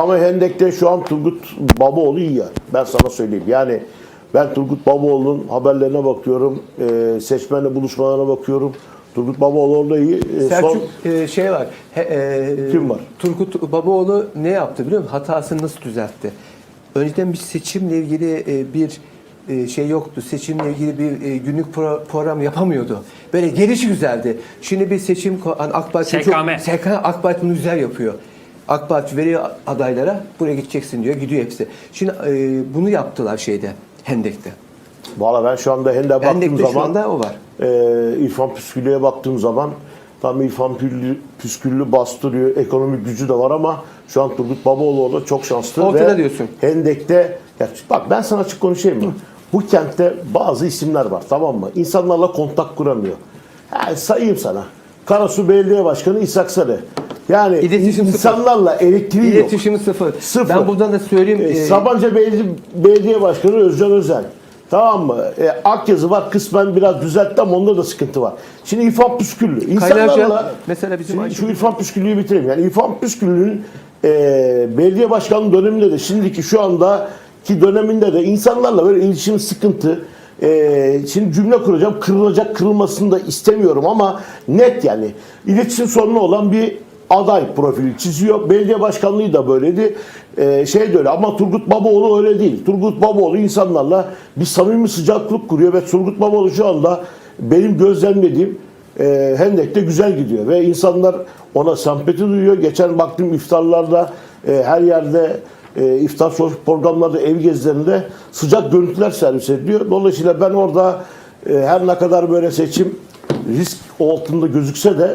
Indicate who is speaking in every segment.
Speaker 1: Ama Hendek'te şu an Turgut Babaoğlu iyi ya. Ben sana söyleyeyim. Yani ben Turgut Babaoğlu'nun haberlerine bakıyorum. Seçmenle buluşmalarına bakıyorum. Turgut Babaoğlu orada iyi.
Speaker 2: Selçuk şey var.
Speaker 1: Kim var?
Speaker 2: Turgut Babaoğlu ne yaptı biliyor musun? Hatasını nasıl düzeltti? Önceden bir seçimle ilgili bir şey yoktu. Seçimle ilgili bir günlük program yapamıyordu. Böyle gelişi güzeldi. Şimdi bir seçim hani AK Parti AK Parti bunu güzel yapıyor. AK Parti veriyor adaylara buraya gideceksin diyor. Gidiyor hepsi. Şimdi bunu yaptılar Hendek'te.
Speaker 1: Valla ben şu anda Hendek'e baktığım zaman
Speaker 2: şu anda o var.
Speaker 1: İrfan Püsküllü'ye baktığım zaman tam İrfan Püsküllü bastırıyor. Ekonomik gücü de var ama şu an Turgut Babaoğlu orada çok şanslı.
Speaker 2: Ortada diyorsun.
Speaker 1: Hendek'te bak ben sana açık konuşayım mı? Bu kentte bazı isimler var, tamam mı? İnsanlarla kontak kuramıyor. Yani sayayım sana. Karasu Belediye Başkanı İshak Sarı. Yani
Speaker 2: İletişim
Speaker 1: insanlarla elektriği yok.
Speaker 2: İletişimi sıfır. Ben buradan da söyleyeyim.
Speaker 1: Sabancı Belediye Başkanı Özcan Özel. Tamam mı? Akyazı var, kısmen biraz düzeltti ama onda da sıkıntı var. Şimdi İrfan Püsküllü. İnsanlarla
Speaker 2: mesela bizim
Speaker 1: şu İrfan Püsküllü'yü bitireyim. Yani İrfan Püsküllü'nün belediye başkanlığı döneminde de şimdiki şu andaki döneminde de insanlarla böyle iletişim sıkıntı. Şimdi cümle kuracağım. Kırılacak, kırılmasını da istemiyorum ama net yani. İletişim sorunu olan bir aday profili çiziyor. Belediye başkanlığı da böyleydi. De öyle ama Turgut Babaoğlu öyle değil. Turgut Babaoğlu insanlarla bir samimi sıcaklık kuruyor ve Turgut Babaoğlu şu anda benim gözlemlediğim Hendek'te güzel gidiyor ve insanlar ona sempati duyuyor. Geçen baktım iftarlarda her yerde iftar programlarda, ev gezilerinde sıcak görüntüler servis ediliyor. Dolayısıyla ben orada her ne kadar böyle seçim risk altında gözükse de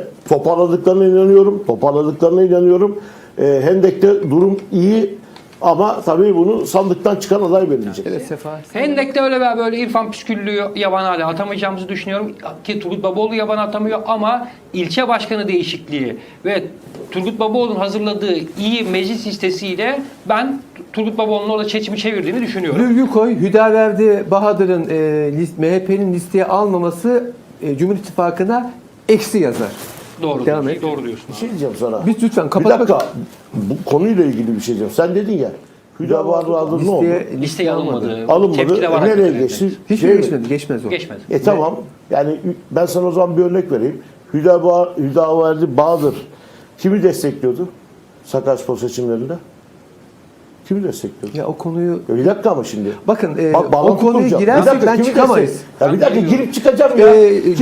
Speaker 1: toparladıklarına inanıyorum. Hendek'te durum iyi ama tabii bunu sandıktan çıkan aday belirleyecek.
Speaker 2: Evet, Sefa.
Speaker 3: Hendek'te öyle veya böyle İrfan Püsküllü'yü yabana hale atamayacağımızı düşünüyorum. Ki Turgut Babaoğlu yabana atamıyor ama ilçe başkanı değişikliği ve Turgut Babaoğlu'nun hazırladığı iyi meclis listesiyle ben Turgut Babaoğlu'nun orada seçimi çevirdiğini düşünüyorum.
Speaker 2: Virgül koy, Hüdaverdi Bahadır'ın MHP'nin listeye almaması Cumhur İttifakı'na eksi yazar.
Speaker 3: Doğru.
Speaker 2: Devam et.
Speaker 3: Doğru diyorsun.
Speaker 1: Bir şey diyeceğim sana.
Speaker 2: Biz lütfen
Speaker 1: Bir
Speaker 2: kapat.
Speaker 1: dakika. Bu konuyla ilgili bir şey diyeceğim. Sen dedin ya. Hüdaverdi ne oldu?
Speaker 3: Listeye alınmadı.
Speaker 1: Alınmadı.
Speaker 3: Tepki de var
Speaker 1: Nereye
Speaker 3: hakikaten.
Speaker 1: geçti?
Speaker 2: Hiç geçmedi. Geçmez o.
Speaker 3: Geçmedi.
Speaker 1: Tamam. Yani ben sana o zaman bir örnek vereyim. Hüdaverdi Bahadır kimi destekliyordu? Sakaryaspor seçimlerinde. Kimi destekliyordu?
Speaker 2: Ya o konuyu...
Speaker 1: Bir dakika ama şimdi.
Speaker 2: Bakın
Speaker 1: Bak,
Speaker 2: o konuya girersek ben çıkamayız.
Speaker 1: Ya bir dakika girip çıkacağım ya.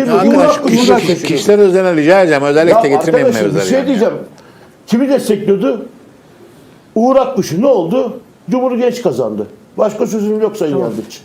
Speaker 4: Kişiler özeline rica edeceğim. Özellikle getirmeyin
Speaker 1: arkadaşım,
Speaker 4: mevzuları.
Speaker 1: bir şey diyeceğim. Kimi destekliyordu? Uğur Akkuş'u ne oldu? Cumhur Genç kazandı. Başka sözüm yok Sayın Yargıç.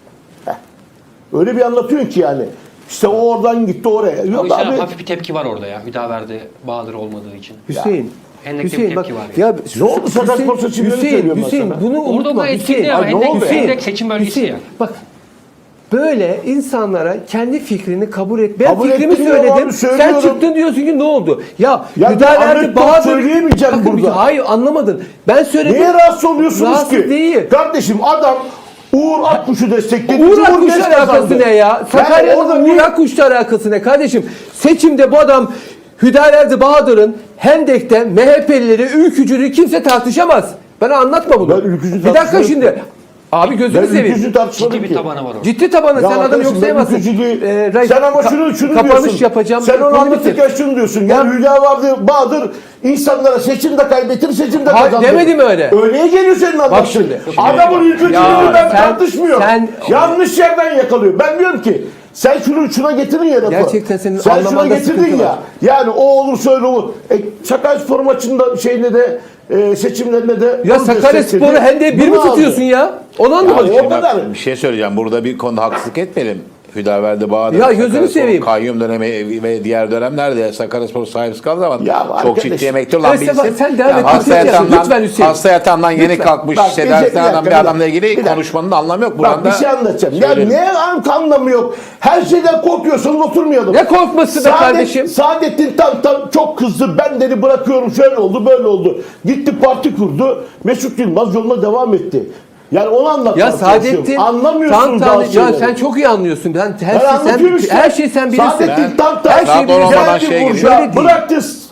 Speaker 1: Öyle bir anlatıyorsun ki yani. İşte o oradan gitti oraya.
Speaker 3: O
Speaker 1: Yok
Speaker 3: yüzden
Speaker 1: abi.
Speaker 3: hafif bir tepki var orada ya. Hüdaverdi Bahadır olmadığı için.
Speaker 2: Hüseyin.
Speaker 3: Hendek'te
Speaker 2: Hüseyin
Speaker 3: bir
Speaker 2: bak
Speaker 3: tepki var.
Speaker 2: ya
Speaker 1: Ne oldu Sakaryaspor seçimlerini söylüyorum ben
Speaker 2: Hüseyin
Speaker 1: sana.
Speaker 2: bunu
Speaker 3: Orada
Speaker 2: unutma.
Speaker 3: bu etkili ya.
Speaker 1: Ay, ne oldu ya?
Speaker 3: Hendek seçim bölgesi
Speaker 2: Hüseyin,
Speaker 3: ya.
Speaker 2: bak böyle insanlara kendi fikrini kabul et. Ben
Speaker 1: Kabul
Speaker 2: fikrimi
Speaker 1: ettim ya
Speaker 2: söyledim.
Speaker 1: abi,
Speaker 2: Sen
Speaker 1: söylüyorum.
Speaker 2: çıktın diyorsun ki ne oldu? Ya
Speaker 1: Ya
Speaker 2: Hüdaverdi
Speaker 1: anekdot
Speaker 2: Bahadır
Speaker 1: söyleyemeyeceğim
Speaker 2: Bakın,
Speaker 1: burada.
Speaker 2: Hayır anlamadın. Ben söyledim.
Speaker 1: Niye rahatsız oluyorsunuz
Speaker 2: Rahatsız
Speaker 1: ki?
Speaker 2: değil.
Speaker 1: Kardeşim adam Uğur Akkuş'u destekledi.
Speaker 2: Uğur
Speaker 1: Cumhur
Speaker 2: Akkuş'la
Speaker 1: Genç
Speaker 2: alakası
Speaker 1: kazandı.
Speaker 2: ne ya?
Speaker 1: Yani
Speaker 2: Sakarya'nın
Speaker 1: orada
Speaker 2: Uğur Akkuş'la alakası ne kardeşim? Seçimde bu adam Hüdaverdi Bahadır'ın Hendek'te MHP'lileri, ülkücülüğü kimse tartışamaz. Bana anlatma bunu.
Speaker 1: Ben ülkücü
Speaker 2: Bir dakika
Speaker 1: tartışmıyorum.
Speaker 2: şimdi. Abi gözünü
Speaker 1: Ben
Speaker 2: seveyim.
Speaker 1: ülkücü tartışmadım
Speaker 3: Ciddi bir
Speaker 1: ki.
Speaker 3: tabanı var orada.
Speaker 2: Ciddi tabanı.
Speaker 1: Ya
Speaker 2: Sen adamı yok
Speaker 1: arkadaşım, ben
Speaker 2: sayamazsın.
Speaker 1: ülkücülüğü- sen ama şunu
Speaker 2: kapanış
Speaker 1: diyorsun.
Speaker 2: yapacağım.
Speaker 1: Sen onu
Speaker 2: Bunu
Speaker 1: anlatırken şunu diyorsun. Yani Hüdaverdi Bahadır insanlara seçimde kaybettir, seçimde
Speaker 2: Hayır,
Speaker 1: kazandır.
Speaker 2: demedim öyle.
Speaker 1: Öyleye geliyor senin anlattığın.
Speaker 2: şimdi.
Speaker 1: Adamın ülkücülüğünü
Speaker 2: Ya
Speaker 1: ben
Speaker 2: sen-
Speaker 1: tartışmıyorum. Yanlış yerden yakalıyor. Ben diyorum ki sen şuna getirin ya lafı.
Speaker 2: Gerçekten senin
Speaker 1: sen şuna
Speaker 2: anlamanda
Speaker 1: getirdin
Speaker 2: sıkıntı
Speaker 1: ya.
Speaker 2: var.
Speaker 1: Yani o olursa öyle olur. Sakaryaspor maçında şeyinde de seçimlerinde de
Speaker 2: Ya
Speaker 1: onu
Speaker 2: Sakaryaspor'u
Speaker 1: destekledi.
Speaker 2: Hendek'e bir mi
Speaker 1: Bunu aldı.
Speaker 2: tutuyorsun ya? Onu anlamadım.
Speaker 1: Ya o kadar.
Speaker 4: Bir şey söyleyeceğim. Burada bir konuda haksızlık etmeyelim. Hüdaverdi Bahadır,
Speaker 2: Ya gözünü
Speaker 4: Sakaryaspor
Speaker 2: seveyim.
Speaker 4: Kayyum dönemi ve diğer dönemlerde Sakaryaspor sahipsiz kaldı ama
Speaker 1: Ya
Speaker 4: çok
Speaker 1: arkadaş.
Speaker 4: ciddi emekli olan
Speaker 2: Evet,
Speaker 4: birisi.
Speaker 2: sen devam et.
Speaker 4: Hasta yatağından,
Speaker 2: Lütfen Hüseyin.
Speaker 4: hasta yatağından yeni
Speaker 2: Lütfen.
Speaker 4: kalkmış
Speaker 1: Bak,
Speaker 4: tedavisine
Speaker 1: bir
Speaker 4: bir adamla
Speaker 1: dakika.
Speaker 4: ilgili konuşmanın da anlamı yok.
Speaker 1: Bak
Speaker 4: Buradan
Speaker 1: bir
Speaker 4: da
Speaker 1: şey anlatacağım. Ya
Speaker 4: söyleyelim.
Speaker 1: ne anlamı yok. Her şeyden korkuyorsanız oturmayalım.
Speaker 2: Ne korkması be kardeşim?
Speaker 1: Saadettin Tantan çok kızdı. Ben dedi bırakıyorum. Şöyle oldu böyle oldu. Gitti parti kurdu. Mesut Yılmaz yoluna devam etti. Yani onu anlatmaya
Speaker 2: Ya Saadettin
Speaker 1: anlamıyorsunuz
Speaker 2: Tantan,
Speaker 1: bazı
Speaker 2: ya
Speaker 1: şeyleri.
Speaker 2: sen çok iyi anlıyorsun.
Speaker 1: Ben anlatıyorum işte.
Speaker 2: Her şeyi sen bilirsin.
Speaker 1: Saadettin Tantan
Speaker 2: her şeyi
Speaker 4: Daha doğru
Speaker 2: bilirsin.
Speaker 4: olmadan
Speaker 1: geldi
Speaker 4: şeye
Speaker 1: Burcu'ya,
Speaker 2: giriyor. Öyle değil.
Speaker 1: bıraktı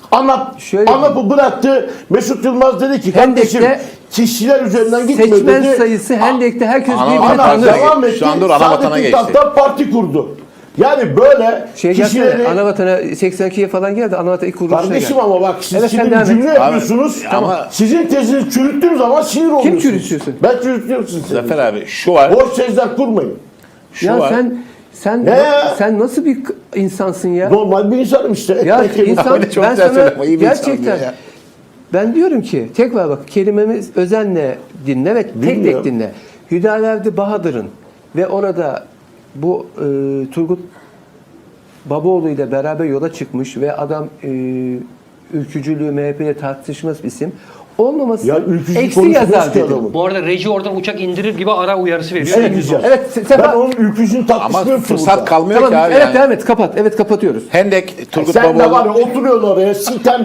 Speaker 2: Şöyle-
Speaker 1: ANAP'ı bıraktı. Mesut Yılmaz dedi ki kardeşim
Speaker 2: Hendek'te
Speaker 1: kişiler üzerinden gitme
Speaker 2: seçmen
Speaker 1: dedi.
Speaker 2: sayısı Hendek'te herkes
Speaker 4: Ana-
Speaker 2: birbirini
Speaker 4: ana-
Speaker 2: tanır.
Speaker 1: Devam etti.
Speaker 4: Şu an dur, ana vatana
Speaker 1: Saadettin
Speaker 4: geçti.
Speaker 1: Tak'tan parti kurdu. Yani böyle
Speaker 2: Şey
Speaker 1: kişileri...
Speaker 2: gelsene, Anavatana 82'ye falan geldi. Anavatana ilk kuruluşuna
Speaker 1: Kardeşim
Speaker 2: geldi.
Speaker 1: ama bak siz
Speaker 2: Evet, sen
Speaker 1: şimdi
Speaker 2: devam et.
Speaker 1: cümle
Speaker 4: Abi,
Speaker 1: yapıyorsunuz.
Speaker 4: ama-
Speaker 1: Sizin tezinizi çürüttüğüm zaman sinir oluyorsunuz.
Speaker 2: çürütüyorsun?
Speaker 1: Ben çürütüyorum sizi.
Speaker 4: Zafer abi şu var.
Speaker 1: Boş tezler kurmayın.
Speaker 4: Şu
Speaker 2: Ya
Speaker 4: var.
Speaker 2: sen sen nasıl bir insansın ya?
Speaker 1: Normal bir insanım işte.
Speaker 2: Ya
Speaker 1: Ekmek yemek.
Speaker 2: insan
Speaker 4: Öyle çok
Speaker 2: ben
Speaker 4: güzel
Speaker 2: sana
Speaker 4: söyleme, iyi bir insan
Speaker 2: gerçekten
Speaker 4: diyor ya.
Speaker 2: ben diyorum ki tekrar bak kelimemiz özenle dinle ve tek
Speaker 1: Dinliyorum.
Speaker 2: tek dinle. Hüdaverdi Bahadır'ın ve orada bu Turgut Babaoğlu ile beraber yola çıkmış ve adam ülkücülüğü MHP'ye tartışmaz bir isim olmaması
Speaker 1: Ya ülkücü
Speaker 2: eksi
Speaker 1: konuşmuyoruz
Speaker 2: yazar
Speaker 1: ki
Speaker 2: dedim.
Speaker 1: adamın.
Speaker 3: Bu arada reji oradan uçak indirir gibi ara uyarısı veriyor.
Speaker 1: Şey diyeceğim.
Speaker 2: Evet,
Speaker 1: Ben
Speaker 2: Sefa-
Speaker 1: onun ülkücünü
Speaker 4: Ama
Speaker 1: tartışmıyorum ki
Speaker 4: fırsat
Speaker 1: burada.
Speaker 4: kalmıyor
Speaker 2: Tamam,
Speaker 4: ki abi.
Speaker 2: evet
Speaker 4: yani.
Speaker 2: devam et, kapat. Evet, kapatıyoruz.
Speaker 4: Hendek, Turgut
Speaker 1: Sen de var
Speaker 4: Babaoğlu.
Speaker 1: ya oturuyorsun oraya sitem.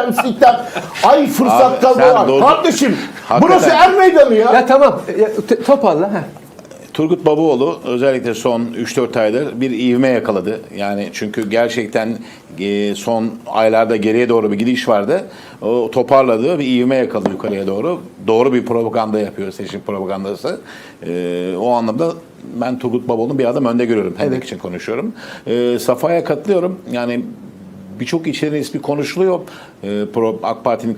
Speaker 1: Ay fırsat
Speaker 4: Abi,
Speaker 1: kaldı
Speaker 4: sen
Speaker 1: var.
Speaker 4: doğru-
Speaker 1: Kardeşim
Speaker 4: Hakikaten.
Speaker 1: burası er meydanı ya.
Speaker 2: Ya tamam, toparla. Heh.
Speaker 4: Turgut Babaoğlu özellikle son 3-4 aydır bir ivme yakaladı. Yani çünkü gerçekten son aylarda geriye doğru bir gidiş vardı. O toparladı, bir ivme yakaladı yukarıya doğru. Doğru bir propaganda yapıyor, seçim propagandası. O anlamda ben Turgut Babaoğlu'nu bir adım önde görüyorum. Hendek için konuşuyorum. Safa'ya katılıyorum. Yani birçok içerinin ismi konuşuluyor. AK Parti'nin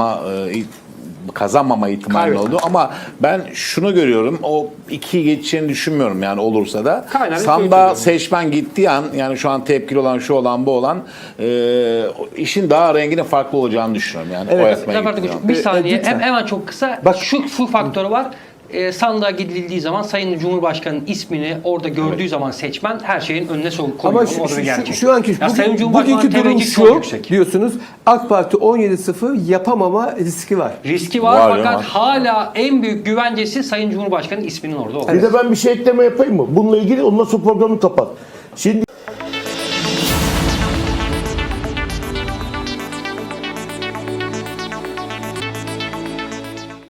Speaker 4: kazanmama ihtimali oldu ama ben şunu görüyorum, o 2'yi geçeceğini düşünmüyorum yani olursa da.
Speaker 3: Kaynar
Speaker 4: Sandığa
Speaker 3: bir
Speaker 4: seçmen gittiği an, yani şu an tepkili olan, şu olan, bu olan işin daha renginin farklı olacağını düşünüyorum yani.
Speaker 2: Evet.
Speaker 4: Oy atmaya
Speaker 3: Zafer
Speaker 4: gittiği
Speaker 3: Tıkıç,
Speaker 4: an.
Speaker 3: bir saniye
Speaker 2: lütfen.
Speaker 3: hemen çok kısa.
Speaker 2: Bak-
Speaker 3: Şu faktörü var. Sandığa gidildiği zaman Sayın Cumhurbaşkanı'nın ismini orada gördüğü zaman seçmen her şeyin önüne koyuyor.
Speaker 2: Ama
Speaker 3: O da bir gerçek.
Speaker 2: şu anki
Speaker 3: Ya Sayın
Speaker 2: bugünkü
Speaker 3: Cumhurbaşkanı'nın
Speaker 2: durum
Speaker 3: teveccühü çok
Speaker 2: şu
Speaker 3: yüksek.
Speaker 2: diyorsunuz. AK Parti 17-0 yapamama riski var.
Speaker 3: Riski var,
Speaker 4: Var,
Speaker 3: fakat
Speaker 4: var.
Speaker 3: hala en büyük güvencesi Sayın Cumhurbaşkanı'nın isminin orada olması.
Speaker 1: Bir de ben bir şey ekleme yapayım mı? Bununla ilgili ondan sonra programı kapat. Şimdi